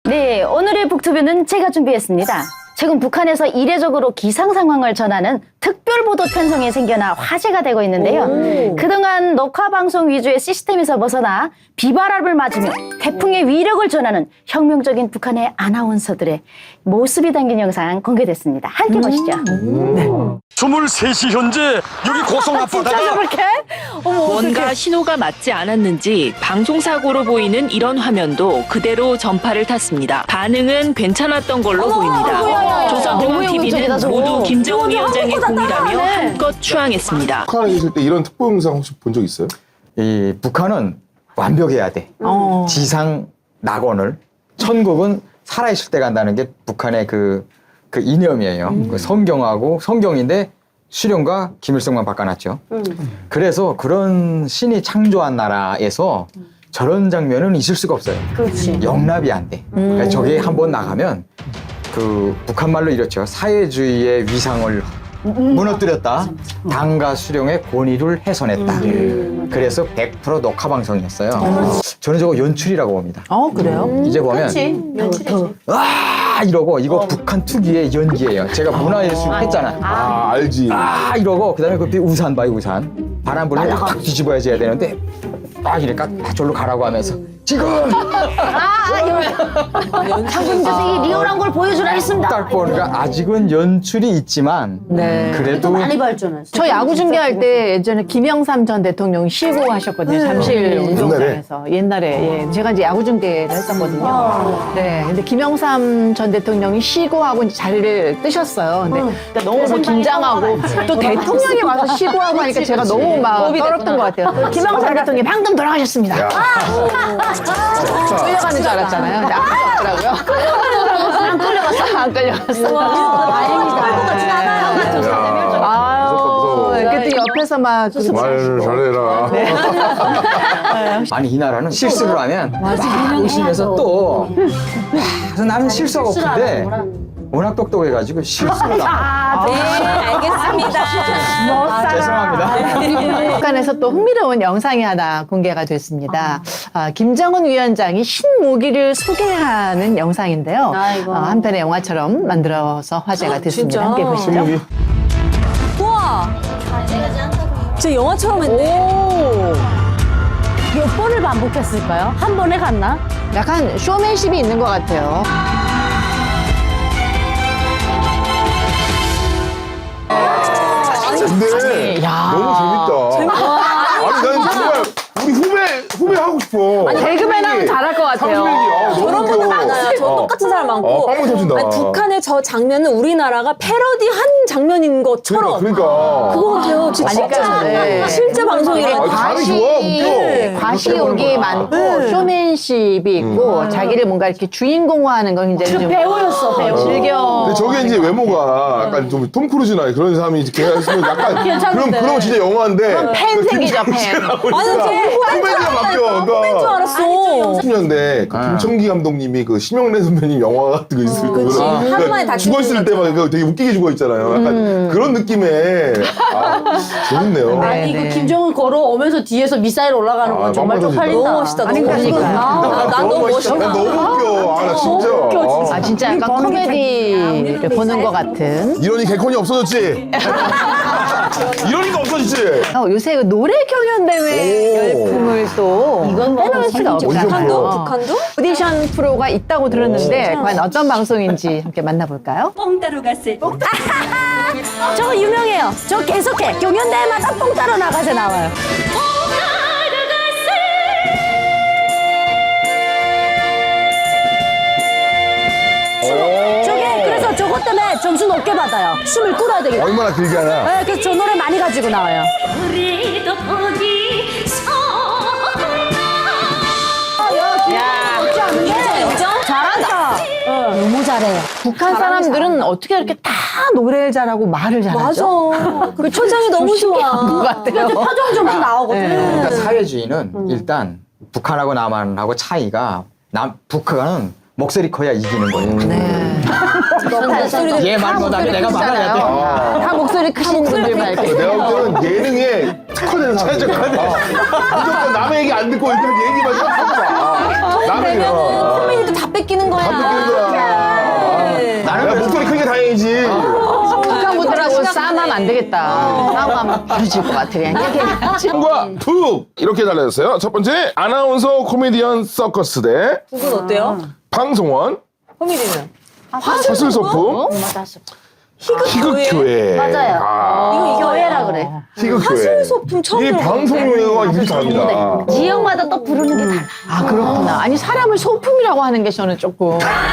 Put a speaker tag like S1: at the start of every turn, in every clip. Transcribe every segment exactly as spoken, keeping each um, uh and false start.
S1: 네, 오늘의 북투뷰는 제가 준비했습니다. 최근 북한에서 이례적으로 기상 상황을 전하는 특별보도 편성이 생겨나 화제가 되고 있는데요.
S2: 오.
S1: 그동안 녹화방송 위주의 시스템에서 벗어나 비바람을 맞으며 태풍의 위력을 전하는 혁명적인 북한의 아나운서들의 모습이 담긴 영상 공개됐습니다. 함께 보시죠.
S3: 스물세 시 현재 여기 고성 앞바다가
S1: 저렇게? 어머,
S2: 뭔가
S1: 어떡해.
S2: 신호가 맞지 않았는지 방송사고로 보이는 이런 화면도 그대로 전파를 탔습니다. 반응은 괜찮았던 걸로 보입니다.
S1: 너무
S2: 조선중앙티비는
S1: 혁명적이다, 저거.
S2: 모두 김정은
S1: 저거
S2: 위원장의
S1: 아무것도 안
S2: 공이라며
S1: 따라하네.
S2: 한껏 추앙했습니다.
S4: 북한에 계실 때 이런 특보 영상 혹시 본 적 있어요?
S5: 이 북한은 완벽해야 돼.
S1: 어.
S5: 지상 낙원을 천국은 살아있을 때 간다는 게 북한의 그, 그 이념이에요. 그 성경하고 성경인데 수령과 김일성만 바꿔놨죠. 그래서 그런 신이 창조한 나라에서 저런 장면은 있을 수가 없어요.
S1: 그렇지.
S5: 영납이 안 돼. 그래서 저게 한번 나가면 그 북한 말로 이렇죠. 사회주의의 위상을 무너뜨렸다. 당과 수령의 권위를 훼손했다. 그래서 백 퍼센트 녹화 방송이었어요. 저는 저거 연출이라고 봅니다.
S6: 어 그래요?
S5: 이제 보면 아 이러고 이거 북한 특유의 연기예요. 제가 문화예술 했잖아.
S4: 아, 알지.
S5: 아 이러고 그다음에 그 우산 봐요 우산. 바람 불면 탁 뒤집어야지 해야 되는데 딱 이렇게 딱 절로 가라고 하면서 지금
S1: 장군 선생이 리얼한 걸 보여주라 했습니다.
S5: 딱 보니까 아직은 연출이 있지만
S6: 네.
S5: 그래도
S1: 발전했어요.
S6: 저 야구 중계할 때 예전에 김영삼 전 대통령이 쉬고 하셨거든요. 잠실 운동장에서. 옛날에. 예. 제가 이제 야구 중계를 했었거든요. 네. 근데 김영삼 전 대통령이 쉬고 하고 이제 자리를 뜨셨어요. 근데 그러니까 너무 뭐 긴장하고 또 대통령이 와서 쉬고 하고 하니까 제가 너무 막 떨었던 것 같아요. 김영삼 대통령이 방금 돌아가셨습니다. 끌려가는 줄 알았잖아요. 근데 아무도 없더라고요.
S1: 안 끌려갔어?
S6: 안 끌려갔어.
S1: 다행이다. 같진 않아요.
S6: 아, 그때 옆에서 막 그-
S4: 말을 잘해라.
S5: 아니 이 나라는 실수를 하면 막 웃으면서 또 와, 그래서 나는 실수가 없는데 워낙 똑똑해가지고 실수를 안
S7: 네, 알겠습니다.
S5: 죄송합니다.
S6: 북한에서 또 흥미로운 영상이 하나 공개가 됐습니다. 아, 김정은 위원장이 신무기를 소개하는 영상인데요.
S1: 아이고.
S6: 어, 한편의 영화처럼 만들어서 화제가 됐습니다. 함께 보시죠.
S7: 우와. 진짜 영화처럼 했네.
S1: 몇 번을 반복했을까요? 한 번에 갔나?
S6: 약간 쇼맨십이 있는 것 같아요.
S4: 근데 너무 재밌다. 아니, 난 정말 우리 후배, 후배 하고 싶어.
S6: 개그맨 하면 잘할 것 같아요.
S7: 저런 분들 많아요. 저 똑같은 사람 많고.
S4: 어, 빵을 터진다.
S7: 아니, 북한의 저 장면은 우리나라가 패러디한 장면인 것처럼.
S4: 그러니까, 그러니까.
S7: 그거 같아요. 진짜,
S6: 그러니까, 네.
S7: 실제 방송이라.
S4: 아니, 감이 좋아, 웃겨.
S6: 과시욕이 많고 쇼맨십이 있고 자기를 뭔가 이렇게 주인공화하는 걸 굉장히 좀
S1: 배우였어, 배우.
S6: 즐겨.
S4: 근데 저게 이제 외모가 약간 좀 톰 크루즈나 그런 사람이 이렇게 했으면 약간 그럼 그러면 진짜 영화인데 그
S6: 팬색이죠, 팬.
S7: 아니, 저
S4: 코미디가 바뀌어.
S7: 후배인 줄 알았어.
S4: 팔십 년대 그 김청기 감독님이 그 심영래 선배님 영화 같은 거 있을
S7: 그치.
S4: 거구나.
S7: 하루만에 다
S4: 죽었을 때 막 되게 웃기게 죽어 있잖아요. 약간 그런 느낌의 아, 재밌네요.
S1: 아니
S6: 네.
S1: 그 김정은 걸어오면서 뒤에서 미사일 올라가는 건
S4: 아,
S1: 정말
S4: 빵빵
S1: 쪽팔린다.
S7: 너무 멋있다. 너무
S6: 그러니까.
S7: 멋있다. 아, 난 너무 멋있다.
S4: 난 너무 웃겨. 아, 나 진짜.
S7: 웃겨,
S6: 아, 진짜 약간 코미디를 보는 것 같은.
S4: 이러니 개콘이 없어졌지? 이러니까 없어졌지?
S6: 어, 요새 그 노래 경연대회
S4: 오.
S6: 열풍을 또
S1: 이건 뭐
S6: 빼놓을 수가
S4: 어디서
S6: 없잖아요.
S7: 북한도? 북한도?
S6: 오디션 프로가 있다고 들었는데 과연 어떤 방송인지 함께 만나볼까요?
S8: 뽕 따러 갔을 때
S1: 저거 유명해요. 저 계속해. 경연대회마다 뽕 따러 나가서 나와요. 저게 그래서 저것 때문에 점수 높게 받아요. 숨을 끌어야 되겠다.
S4: 얼마나 길게 하나?
S1: 네, 그래서 저 노래 많이 가지고 나와요.
S8: 우리도 거기서
S1: 잘한다. 너무 잘해요.
S6: 북한 사람들은 어떻게 이렇게 다 노래를 잘하고 말을
S7: 맞아.
S6: 잘하죠?
S7: 그 초장이 너무 좋아.
S6: 것 같아요.
S1: 표정 점수 나오거든.
S5: 그러니까 사회주의는 일단 북한하고 남한하고 차이가 남 북한은 목소리 커야 이기는 거예요.
S6: 네.
S5: 얘 말 못하면 내가 말해야 돼.
S6: 다 목소리 크신 분들만 이렇게.
S4: 내가 볼 때는 예능에 특화된 사람. 무조건 남의 얘기 안 듣고 일단 얘기만 좀 하고 봐. 남의 얘기.
S7: 코미디도 다 뺏기는 거야.
S4: 다 뺏기는 거야.
S5: 나는
S4: 야, 목소리 크게 다행이지.
S6: 북한 분들하고 싸움하면 안 되겠다. 싸움하면 부딪힐 것 같아. 그냥 이렇게.
S4: 과 툭 이렇게 달라졌어요. 첫 번째 아나운서 코미디언 서커스 대
S7: 그건 어때요?
S4: 방송원
S7: 코미디는?
S4: 화술 소품
S1: 맞아.
S4: 희극교회.
S1: 맞아요.
S4: 아,
S1: 이거 교회라 그래.
S4: 희극교회.
S7: 화술 소품 처음
S4: 이
S7: 들어봤는데.
S4: 방송용어가 이렇게 다릅니다.
S1: 지역마다 또 부르는 게 달라.
S6: 아, 그렇구나. 아니, 사람을 소품이라고 하는 게 저는 조금.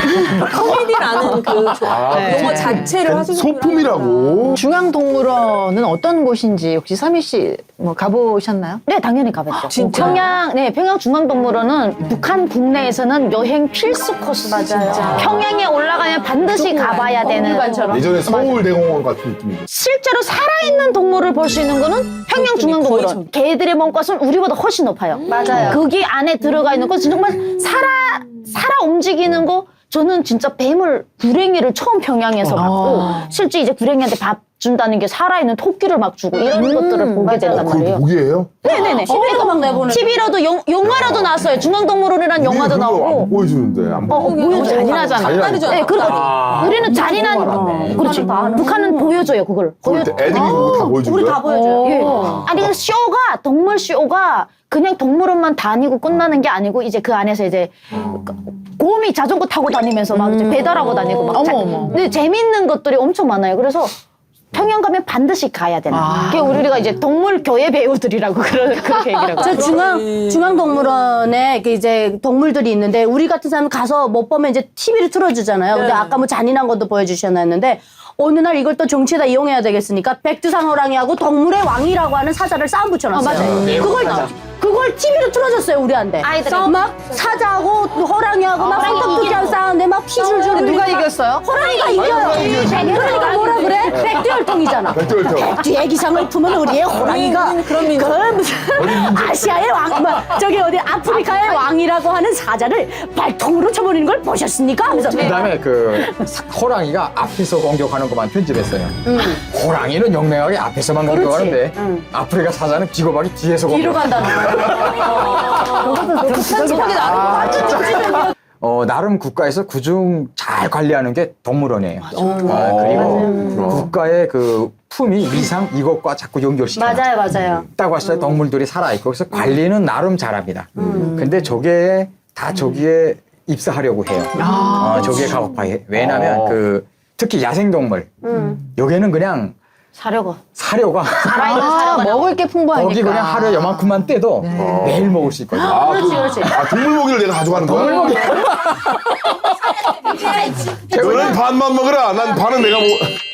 S7: 코미디라는 그
S6: 네.
S7: 용어 자체를 화술
S4: 소품이라고.
S6: 중앙동물원은 어떤 곳인지 혹시 서미 씨 뭐 가보셨나요?
S1: 네, 당연히 가봤죠.
S7: 진짜요?
S1: 평양, 네, 평양 중앙동물원은 북한 국내에서는 여행 필수 코스. 맞아요. 평양에 올라가면 반드시 가봐야 되는.
S4: 예전에 서울대공원 같은 느낌이죠.
S1: 실제로 살아있는 동물을 볼 수 있는 거는 평양
S7: 거의
S1: 중앙동물원.
S7: 전-
S1: 개들의 몸값은 우리보다 훨씬 높아요. 맞아요. 거기 안에 들어가 있는 것은 정말 살아 살아 움직이는 거. 저는 진짜 뱀을 구랭이를 처음 평양에서 봤고 실제 이제 구랭이한테 밥 준다는 게 살아있는 토끼를 막 주고 이런 것들을 보게 된단
S4: 그게
S1: 말이에요.
S4: 목이에요?
S1: 네네네.
S7: 티비에도 막 내보는.
S1: 티비로도 영, 영화로도 나왔어요. 중앙동물원이라는 영화도
S4: 우리 그거 안
S1: 나오고.
S4: 보여주는데 안
S1: 어, 어,
S4: 보여.
S1: 보여줘요.
S6: 잔인하잖아.
S4: 잔인하니까.
S1: 네, 그리고 우리는 잔인한, 그렇지. 북한은 보여줘요, 그걸.
S4: 거기
S1: 보여,
S4: 애들이 그거 다 보여주는
S7: 우리
S4: 거야?
S7: 다 보여줘요.
S1: 예. 아니, 그 쇼가, 동물 쇼가 그냥 동물원만 다니고 끝나는 게 아니고 이제 그 안에서 이제 곰이 자전거 타고 다니면서 막 이제 배달하고 다니고 막. 자-
S6: 어머, 어머.
S1: 근데 재밌는 것들이 엄청 많아요. 그래서 평양 가면 반드시 가야 되는. 그게 우리가 이제 동물 교회 배우들이라고 그런 그렇게 얘기를 하고.
S9: 저 중앙 중앙동물원에 그 이제 동물들이 있는데 우리 같은 사람 가서 못 보면 이제 티비를 틀어주잖아요. 근데 아까 뭐 잔인한 것도 보여주셨는데 어느 날 이걸 또 정치에다 이용해야 되겠으니까 백두산 호랑이하고 동물의 왕이라고 하는 사자를 싸움 붙여놨어요.
S1: 맞아요.
S9: 그걸 그걸 티비로 틀어줬어요 우리한테.
S1: 아이들이.
S9: 막 사자하고 호랑이하고 막 손톱두기하고 싸우는데 막 피 줄줄
S6: 누가
S9: 흘리고
S6: 이겼어요?
S9: 호랑이가 이겨요. 그러니까 뭐라 그래? 백두혈통이잖아.
S4: 백두혈통.
S9: 뒤에 기상을 품은 우리의 호랑이가
S7: 우리는 그런 민족.
S9: 그 무슨 아시아의 왕, 뭐 저기 어디 아프리카의 왕이라고 하는 사자를 발통으로 쳐버리는 걸 보셨습니까? 하면서
S5: 그다음에 그 사- 호랑이가 앞에서 공격하는 것만 편집했어요. 호랑이는 영맹하게 앞에서만 공격하는데 아프리카 사자는 비겁하게 뒤에서
S9: 뒤로
S5: 공격.
S9: 간다는 거야.
S5: 어, 나름 국가에서 그중 잘 관리하는 게 동물원이에요. 아, 그리고 국가의 그 품위, 위상 이것과 자꾸 연결시켜요.
S9: 맞아요, 맞아요.
S5: 딱 봤을 때 동물들이 살아있고 그래서 관리는 나름 잘합니다. 근데 저게 다 저기에 입사하려고 해요. 어, 저기에 가고파해. 왜냐하면
S4: 어.
S5: 그 특히 야생동물 여기는 그냥
S1: 사려고.
S5: 사료가
S1: 살아있는
S6: 아,
S1: 사려고.
S6: 먹을 게 풍부하니까.
S5: 거기 그냥 하루에 요만큼만 떼도 매일 먹을 수 있거든요.
S4: 아,
S1: 그렇지,
S4: 그-
S1: 그렇지.
S4: 아, 동물고기를 내가 가져가는 거야? 너는 반만 먹으라. 난 반은 내가 먹.